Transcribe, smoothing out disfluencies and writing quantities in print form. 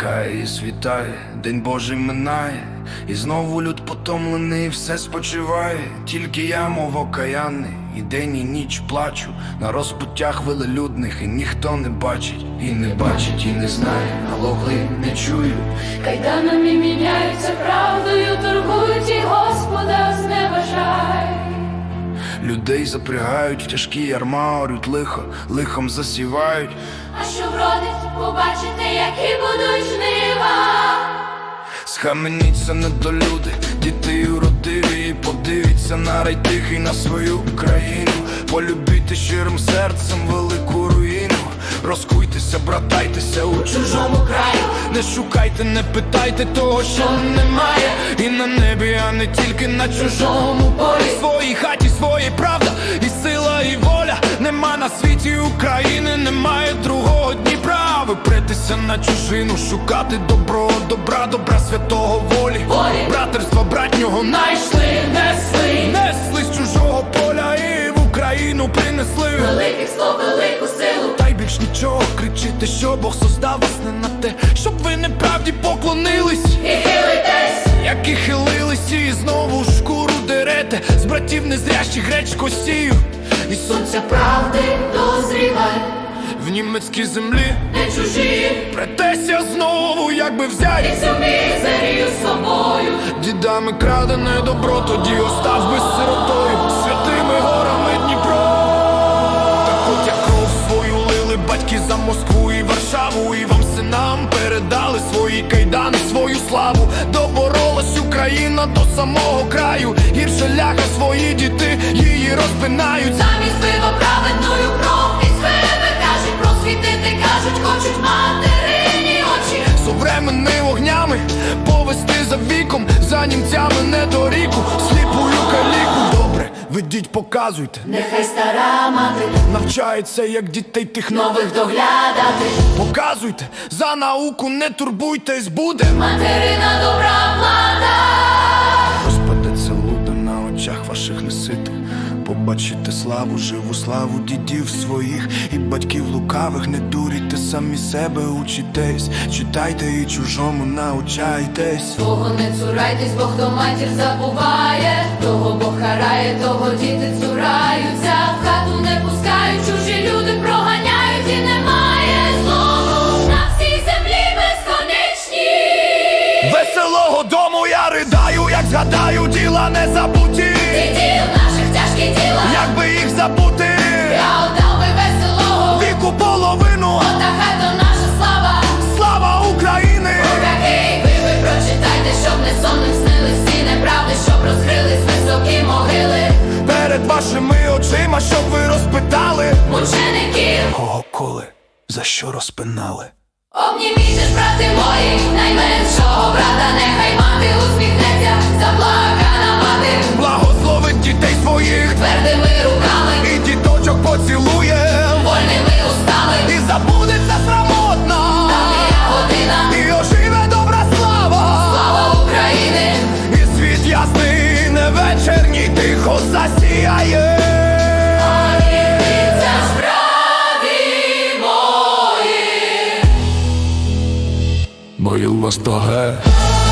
Хай світає, день Божий минає, і знову люд потомлений, все спочиває. Тільки я, мов окаянний, і день, і ніч плачу на розпуттях велелюдних, і ніхто не бачить, і не бачить, і не знає, налогли не чую. Кайданами міняються, правдою торгують, і Господа зневажай. Людей запрягають в тяжкі ярма, орють лихо, лихом засівають. А що вродить, побачите, які будуть жнива. Схаменіться, недолюди, дітей уродиві, і подивіться на рай тихий, на свою країну. Полюбіть щирим серцем велику руїну. Розкуйтеся, братайтеся у чужому краю. Не шукайте, не питайте того, що немає. І на небі, а не тільки на чужому полі. Своїй хаті, своїй правда, і сила, і воля. Нема на світі України, немає другого Дніпра. Ви претеся на чужину, шукати добро, добра, добра святого волі. Братерства братнього найшли, несли з чужого поля і в Україну принесли Великих слов, велику силу. Та й більш нічого, кричите, що Бог создав вас не на те, щоб ви неправді поклонились І хилитесь, як і хилились, і знову шкуру дерете. З братів незрящих гречко сію, і сонця правди дозрівай, в німецькій землі не чужі. претеся знову, якби взять І цю мізерію з собою. дідами крадене добро, тоді остав би сиротою святими горами Дніпро. Так от як кров свою лили батьки за Москву і Варшаву, і вам синам передали свої кайдани, свою славу. Доборолась Україна до самого краю, гірше ляха свої діти її розпинають. Замість пива праведною кров і себе кажуть, просвітити кажуть, хочуть материні очі. Современними вогнями повести за віком, за німцями не до ріку, сліпую каліку. Добре, ведіть, показуйте, Нехай стара мати навчається, як дітей тих нових доглядати. Показуйте, за науку не турбуйтесь, буде Материна добра плата. розпадеться луда на очах ваших неситих. Побачите славу, живу славу дідів своїх і батьків лукавих. Не дурійте, самі себе учитесь, читайте і чужому научайтесь. Того не цурайтесь, бо хто матір забуває, того Бог карає, того діти цураються. В хату не пускають, чужі люди проганяють, і немає злому на всій землі безконечні. Веселого дому я ридаю, як згадаю діла не забуті. Ти діл наших тяжкі діла, Якби їх забути, я отдав би веселого віку половину. Ота хата наша слава, Слава України! Такий ви прочитайте, щоб не сонним снились всі неправди, щоб розкрились високі могили Перед вашими очима, щоб ви розпитали, мучеників. кого коли, за що розпинали. Обніміте ж, брати мої, найменшого брата, нехай мати усміхнеться, заплакана мати, Благословить дітей своїх твердими руками, і діточок поцілує, вольними устами. і забудеться срамотна, Давня година, і оживе добра слава. слава України. І світ ясний, не вечірній, тихо засіяє. Це ж браті мої. Моїл вас тоге.